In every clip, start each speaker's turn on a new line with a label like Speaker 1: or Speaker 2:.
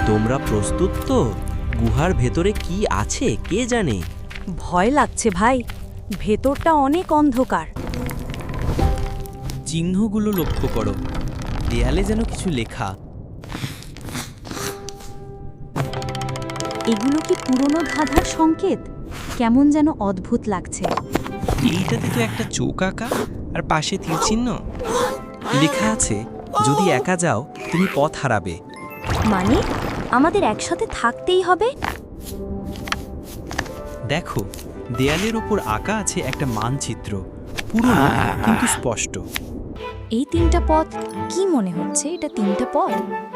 Speaker 1: তোমরা প্রস্তুত তো? গুহার ভেতরে কি আছে কে জানে?
Speaker 2: ভয় লাগছে ভাই, ভেতরটা অনেক অন্ধকার।
Speaker 1: চিহ্নগুলো লক্ষ্য করো, দেয়ালে যেন কিছু লেখা।
Speaker 2: এগুলো কি পুরনো ধাঁধার সংকেত? কেমন যেন অদ্ভুত লাগছে।
Speaker 1: এইটাতে তো একটা চোখ আঁকা আর পাশে তীর চিহ্ন। লেখা আছে, যদি একা যাও তুমি পথ হারাবে।
Speaker 2: মানে আমাদের একসাথে থাকতেই হবে?
Speaker 1: দেখো, দেয়ালের ওপর আঁকা আছে একটা মানচিত্র, পুরনো কিন্তু স্পষ্ট।
Speaker 2: এই তিনটা পথ কি মনে হচ্ছে? এটা তিনটা পথ।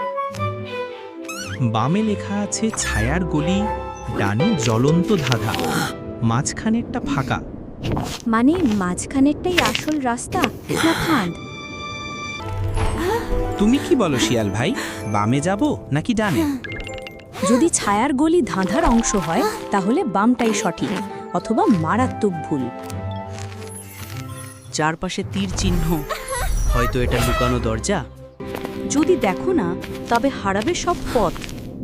Speaker 1: বামে লেখা আছে ছায়ার গলি, ডানে জ্বলন্ত ধাঁধা, মাঝখানেরটা ফাঁকা।
Speaker 2: মানে মাঝখানেরটাই আসল রাস্তা না ফাঁদ?
Speaker 1: তুমি কি বলো শিয়াল ভাই, বামে যাব নাকি ডানে?
Speaker 2: যদি ছায়ার গলি ধাঁধার অংশ হয় তাহলে বামটাই সঠিক, অথবা মারাত্মক ভুল।
Speaker 1: চারপাশে তীর চিহ্ন, হয়তো এটা লুকানো দরজা।
Speaker 2: যদি দেখো না, তবে হারাবে সব পথ।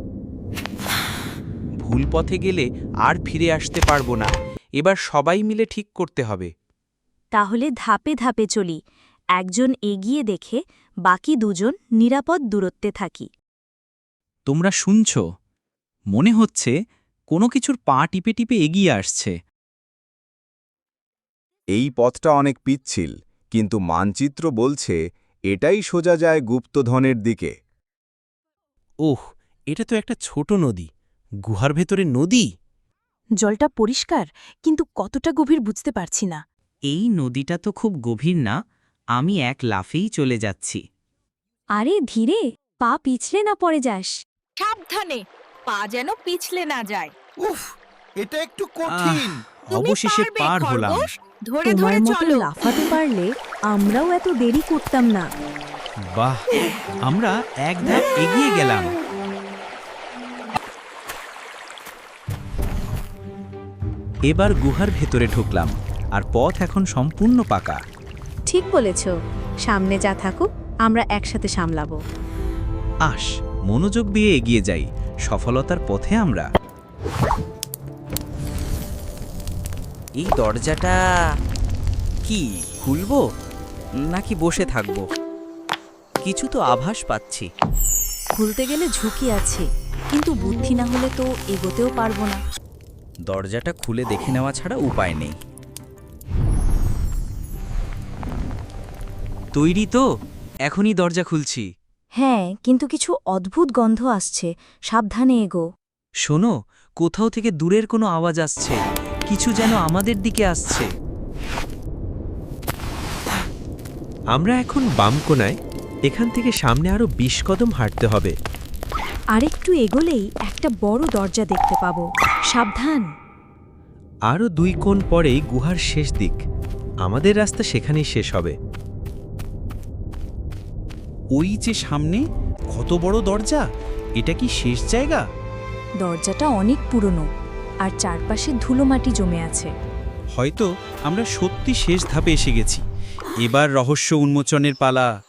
Speaker 1: ভুল পথে গেলে আর ফিরে আসতে পারবো না। এবার সবাই মিলে ঠিক করতে হবে।
Speaker 2: তাহলে ধাপে ধাপে চলি, একজন এগিয়ে দেখে বাকি দুজন নিরাপদ দূরত্বে থাকি।
Speaker 1: তোমরা শুনছ? মনে হচ্ছে কোনো কিছুর পা টিপে টিপে এগিয়ে আসছে।
Speaker 3: এই পথটা অনেক পিচ্ছিল, কিন্তু মানচিত্র বলছে এটাই সোজা যায় গুপ্তধনের দিকে।
Speaker 1: ওহ, এটা তো একটা ছোট নদী। গুহার ভেতরে নদী?
Speaker 2: জলটা পরিষ্কার, কিন্তু কতটা গভীর বুঝতে পারছি না।
Speaker 1: এই নদীটা তো খুব গভীর না, আমি এক লাফেই চলে যাচ্ছি।
Speaker 2: আরে ধীরে, পা পিছলে না পড়ে যাস।
Speaker 4: সাবধানে, পা যেন পিছলে না যায়।
Speaker 5: উফ, এটা একটু কঠিন।
Speaker 1: অবশেষে
Speaker 4: তুমি পারবে,
Speaker 1: পার হলাম।
Speaker 4: খরগোশ। ধরে
Speaker 2: তোমার
Speaker 4: ধরে
Speaker 2: মতো
Speaker 4: চলো।
Speaker 2: লাফাতে পারলে আমরাও এত দেরি করতাম না।
Speaker 1: বাহ, আমরা এক ধাপ এগিয়ে গেলাম। এবার গুহার ভেতরে ঢুকলাম, আর পথ এখন সম্পূর্ণ পাকা।
Speaker 2: ঠিক বলেছ, সামনে যা থাকুক আমরা একসাথে সামলাবো।
Speaker 1: আস, মনোযোগ দিয়ে এগিয়ে যাই, সফলতার পথে আমরা। এই দরজাটা কি খুলবো নাকি বসে থাকবো? কিছু তো আভাস পাচ্ছি।
Speaker 2: খুলতে গেলে ঝুঁকি আছে, কিন্তু বুদ্ধি না হলে তো এগোতেও পারবো না।
Speaker 1: দরজাটা খুলে দেখে নেওয়া ছাড়া উপায় নেই। তৈরি তো? এখনই দরজা খুলছি।
Speaker 2: হ্যাঁ, কিন্তু কিছু অদ্ভুত গন্ধ আসছে, সাবধানে এগো।
Speaker 1: শোনো, কোথাও থেকে দূরের কোনো আওয়াজ আসছে, কিছু যেন আমাদের দিকে আসছে। আমরা এখন বাম কোণায়, এখান থেকে সামনে আরো 20 কদম হাঁটতে হবে।
Speaker 2: আরেকটু এগোলেই একটা বড় দরজা দেখতে পাবো, সাবধান।
Speaker 1: আরও 2 কোণ পরেই গুহার শেষ দিক, আমাদের রাস্তা সেখানেই শেষ হবে। ওই যে সামনে, কত বড় দরজা! এটা কি শেষ জায়গা?
Speaker 2: দরজাটা অনেক পুরনো, আর চারপাশে ধুলোমাটি জমে আছে।
Speaker 1: হয়তো আমরা সত্যি শেষ ধাপে এসে গেছি। এবার রহস্য উন্মোচনের পালা।